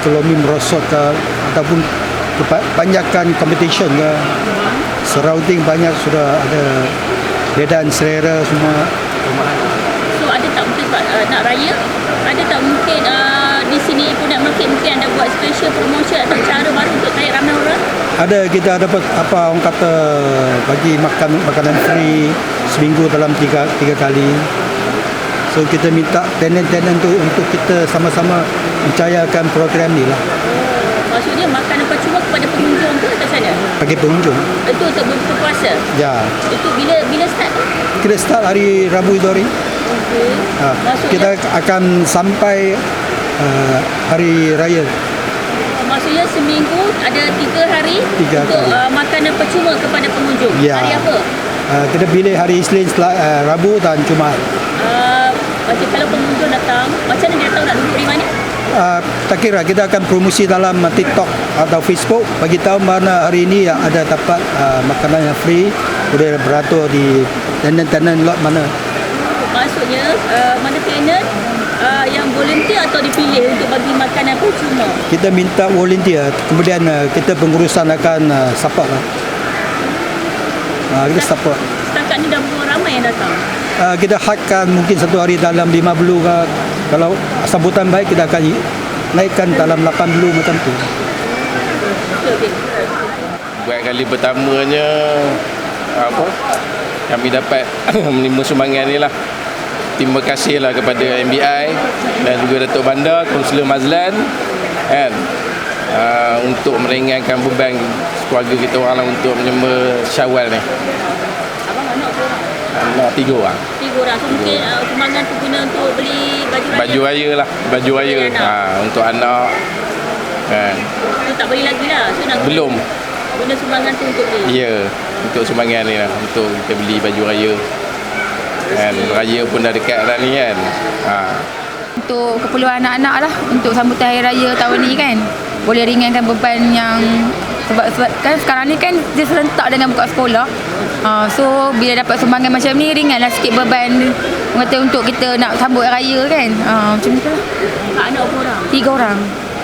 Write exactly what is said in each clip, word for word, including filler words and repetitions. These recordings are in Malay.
ekonomi merosot ke, ataupun kebanyakan competition ke, surrounding banyak sudah ada bedaan selera semua. So ada tak mungkin uh, nak raya, ada tak mungkin uh, di sini Ipoh Night Market mungkin ada buat special promotion atau cara baru untuk tarik ramai orang? Ada, kita dapat apa orang kata bagi makan makanan free seminggu dalam tiga tiga kali. So kita minta tenant-tenant tu untuk kita sama-sama mencayakan program ni lah. Maksudnya makanan percuma kepada pengunjung ke atau sana? Bagi pengunjung. Itu untuk berbuka puasa? Ya. Itu bila bila start tu? Kita start hari Rabu itu hari. Okey. Ha, kita akan sampai uh, hari raya. Maksudnya seminggu ada tiga hari Tiga untuk hari. Uh, makanan percuma kepada pengunjung. Ya. Hari apa? Uh, kita pilih hari Isnin, Sel- uh, Rabu dan Jumaat. Uh, macam kalau pengunjung datang, macam mana dia tahu nak duduk di mana? Uh, tak kira kita akan promosi dalam uh, TikTok atau Facebook, bagi tahu mana hari ini yang ada dapat uh, makanan yang free, boleh beratur di tenant-tenant lot mana. Maksudnya uh, mana tenant uh, yang volunteer atau dipilih untuk bagi makanan percuma? Kita minta volunteer, kemudian uh, kita pengurusan akan uh, support lah. Uh, kita support. Setakat ni dah berapa ramai yang datang? Uh, kita hadkan mungkin satu hari dalam lima puluh ke. Kalau sambutan baik kita akan naikkan dalam lapan puluh macam tu. Okay, okay. Buat kali pertamanya apa kami dapat menerima sumbangan ni lah. Terima kasihlah kepada M B I dan juga Datuk Bandar, Kaunselor Mazlan kan, uh, untuk meringankan beban keluarga kita orang lah untuk menyembah Syawal ni. Abang anak korang? Anak tiga orang. Tiga orang. So mungkin uh, sumbangan tu guna untuk beli baju raya? Baju raya lah, baju raya ha, untuk anak kan. So tak beli lagi lah? So nak Belum. Guna sumbangan tu untuk beli? Ya, untuk sumbangan ni lah, untuk kita beli baju raya kan. Raya pun dah dekat dah ni kan. Ha. Untuk keperluan anak-anak lah, untuk sambutan Hari Raya tahun ni kan, boleh ringankan beban yang sebab, sebab kan sekarang ni kan dia serentak dengan buka sekolah. Uh, so bila dapat sumbangan macam ni, ringanlah sikit beban kata untuk kita nak sambut raya kan. Uh, macam tu lah. Kak anak berapa orang? Tiga orang.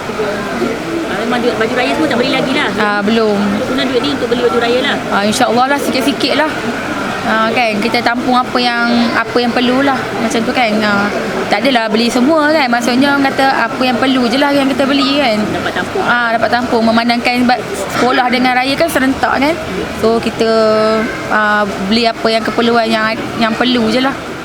Uh, memang duit baju raya semua tak beli lagi lah? Uh, belum. Guna duit ni untuk beli baju raya lah? Uh, InsyaAllah lah, sikit-sikit lah. Uh, kan kita tampung apa yang apa yang perlu lah macam tu kan. Uh, tak adalah beli semua kan, maksudnya orang kata apa yang perlu je lah yang kita beli kan. Dapat tampung. Ah, dapat tampung, memandangkan sekolah dengan raya kan serentak kan. So kita uh, beli apa yang keperluan yang yang perlu je lah.